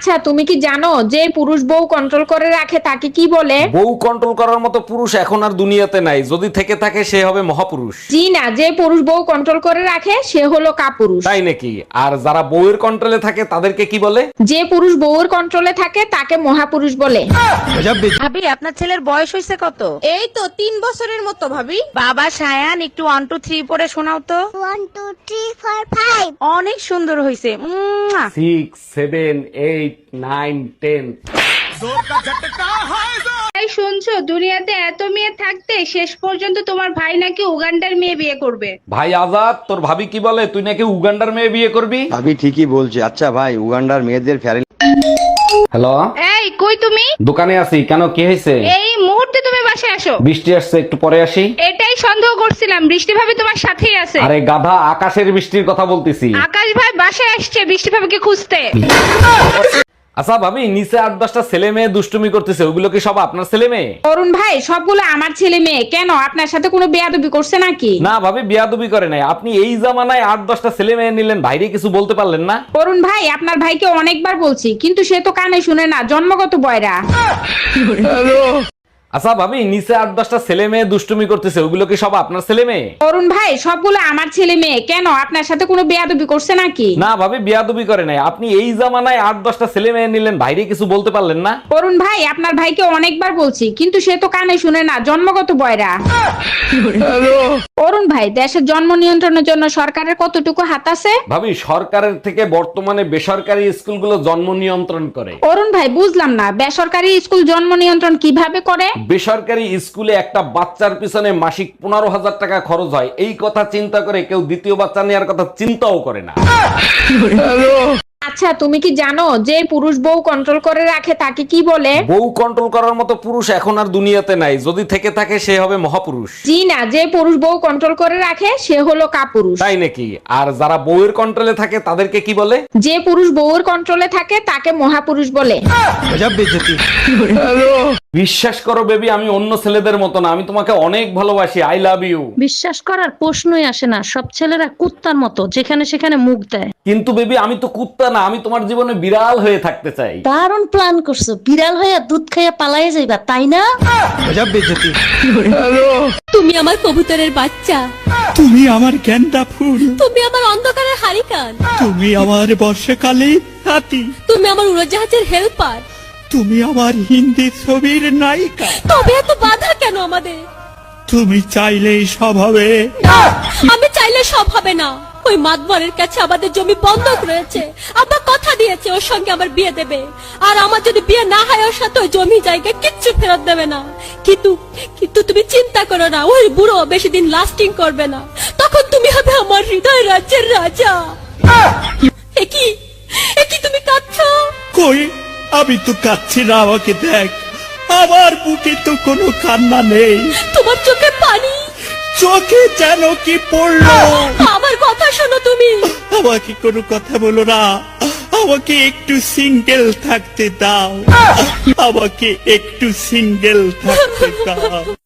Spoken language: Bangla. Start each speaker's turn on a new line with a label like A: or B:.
A: আচ্ছা তুমি কি জানো যে পুরুষ বউ কন্ট্রোল করে রাখে তাকে কি বলে?
B: বউ কন্ট্রোল করার মতো পুরুষ এখন আর দুনিয়াতে নাই, যদি থেকে থাকে সে হবে মহাপুরুষ।
A: জি না, যে পুরুষ বউ কন্ট্রোল করে রাখে সে হলো কাপুরুষ।
B: তাই নাকি? আর যারা বউয়ের কন্ট্রোলে থাকে তাদেরকে কি বলে?
A: যে পুরুষ বউর কন্ট্রোলে থাকে তাকে মহাপুরুষ বলে।
C: ভাবি আপনার ছেলের বয়স হয়েছে কত?
D: এই তো 3 বছরের মতো ভাবি।
C: বাবা সায়ান একটু 1 2 3 পড়ে শোনাও তো।
D: 1 2 3 4 5।
C: অনেক সুন্দর হয়েছে।
B: 6 7 8 9 10।
E: তাই শুনছো, দুনিয়াতে এত মেয়ে থাকতে শেষ পর্যন্ত তোমার ভাই নাকি উগান্ডার মেয়ে বিয়ে করবে।
B: ভাই আজাদ, তোর ভাবি কি বলে তুই নাকি উগান্ডার মেয়ে বিয়ে করবি?
F: ভাবি ঠিকই বলছে। আচ্ছা ভাই, উগান্ডার মেয়েদের ফ্যারেন।
B: হ্যালো,
E: এই কই তুমি?
B: দোকানে আছি। কেন, কি হয়েছে?
E: এই মুহূর্তে তুমি বাসায় আসো।
B: বৃষ্টি আসছে, একটু পরে আসি।
E: এটাই সন্দেহ করছিলাম, বৃষ্টি ভাবি তোমার সাথেই আছে।
B: আরে গাধা, আকাশের বৃষ্টির কথা বলতেছি।
E: আকাশ ভাই বাসায় আসছে বৃষ্টি ভাবিকে খুঁজতে।
B: আচ্ছা ভাবি, নিচে 8-10টা ছেলে মেয়ে দুষ্টুমি করতেছে, ওগুলো কি সব আপনার ছেলে মেয়ে?
A: অরুণ ভাই সবগুলো আমার ছেলে মেয়ে। কেন, আপনার সাথে কোনো বেয়াদবি করছে নাকি?
B: না ভাবি, বিয়াদবি করে নাই। আপনি এই জামানায় 8-10টা ছেলে মেয়ে নিলেন, ভাইরে কিছু বলতে পারলেন না?
A: অরুণ ভাই আপনার ভাইকে অনেকবার বলছি, কিন্তু সে তো কানে শুনে না, জন্মগত বয়রা।
B: আচ্ছা ভাবি, নিচে 8-10টা ছেলে মেয়ে দুষ্টুমি করতেছে, ওগুলো কি সব আপনার ছেলে মেয়ে?
A: অরুণ ভাই সবগুলো আমার ছেলে মেয়ে। কেন, আপনার সাথে কোনো বেয়াদবি করছে নাকি?
B: না ভাবি, বিয়াদবি করে নাই। আপনি এই জামানায় 8-10টা ছেলে মেয়ে নিলেন, ভাইরে কিছু বলতে পারলেন না?
A: অরুণ ভাই আপনার ভাইকে অনেকবার বলছি, কিন্তু সে তো কানে শুনে না, জন্মগত বয়রা। অরুণ ভাই, দেশের জন্ম নিয়ন্ত্রণের জন্য সরকারের কতটুকু হাত আছে?
B: ভাবি, সরকারের থেকে বর্তমানে বেসরকারি স্কুলগুলো জন্ম নিয়ন্ত্রণ করে।
A: অরুণ ভাই বুঝলাম না, বেসরকারি স্কুল জন্ম নিয়ন্ত্রণ কিভাবে করে?
B: বেসরকারি স্কুলে একটা বাচ্চার পিছনে মাসিক 15,000 টাকা খরচ হয়, এই কথা চিন্তা করে কেউ দ্বিতীয় বাচ্চা নেওয়ার কথা চিন্তাও করে না।
A: আচ্ছা তুমি কি জানো যে পুরুষ বউ কন্ট্রোল করে রাখে তাকে কি বলে?
B: বউ কন্ট্রোল করার মতো পুরুষ এখন আর দুনিয়াতে নাই, যদি থেকে থাকে সে হবে মহাপুরুষ।
A: জি না, যে পুরুষ বউ কন্ট্রোল করে রাখে সে হলো কাপুরুষ।
B: তাই নাকি? আর যারা বউয়ের কন্ট্রোলে থাকে তাদেরকে কি বলে?
A: যে পুরুষ বউর কন্ট্রোলে থাকে তাকে মহাপুরুষ বলে।
B: বিশ্বাস করো বেবি, আমি অন্য ছেলেদের মতো না, আমি তোমাকে অনেক ভালোবাসি। I love you.
G: বিশ্বাস করার প্রশ্নই আসে না, সব ছেলেরা কুত্তার মতো যেখানে সেখানে মুখ দেয়।
B: কিন্তু বেবি, আমি তো কুত্তা না, আমি তোমার জীবনে বিড়াল হয়ে থাকতে চাই।
G: দারুণ প্ল্যান করছো, বিড়াল হয়ে দুধ খাইয়া পালাইয়া যাইবা, তাই না? তুমি আমার কবুতরের বাচ্চা,
H: তুমি আমার গেন্দা ফুল,
G: তুমি আমার অন্ধকারের হারিকান,
H: তুমি আমার বর্ষাকালে হাতি,
G: তুমি আমার উড়োজাহাজের হেল্পার,
H: তুমি আমার হিন্দি ছবির নায়িকা।
G: তবে এত বাধা কেন আমাদের?
H: তুমি চাইলেই সব হবে।
G: না, আমি চাইলে সব হবে না। ওই মাতবরের কাছে আমাদের জমি বন্ধক রয়েছে, আব্বা কথা দিয়েছে ওর সঙ্গে আমার বিয়ে দেবে, আর আমার যদি বিয়ে না হয় ওর সাথে ওই জমি জায়গা কিচ্ছু ফেরত দেবে না। কিন্তু কিন্তু তুমি চিন্তা করো না, ওই বুড়ো বেশি দিন লাস্টিং করবে না, তখন তুমি হবে আমার হৃদয় রাজ্যের রাজা। একই একই তুমি কাঁদছো?
H: কই, আমি তো কাচ্ছি না, আমাকে দেখ, আমার বুকে তো কোনো কান্না নেই,
G: তোমার চোখে পানি,
H: চোখে যেন কি পড়লো।
G: আমার কথা শোনো তুমি।
H: আমাকে কোনো কথা বলো না, আমাকে একটু সিঙ্গেল থাকতে দাও, আমাকে একটু সিঙ্গেল থাকতে দাও।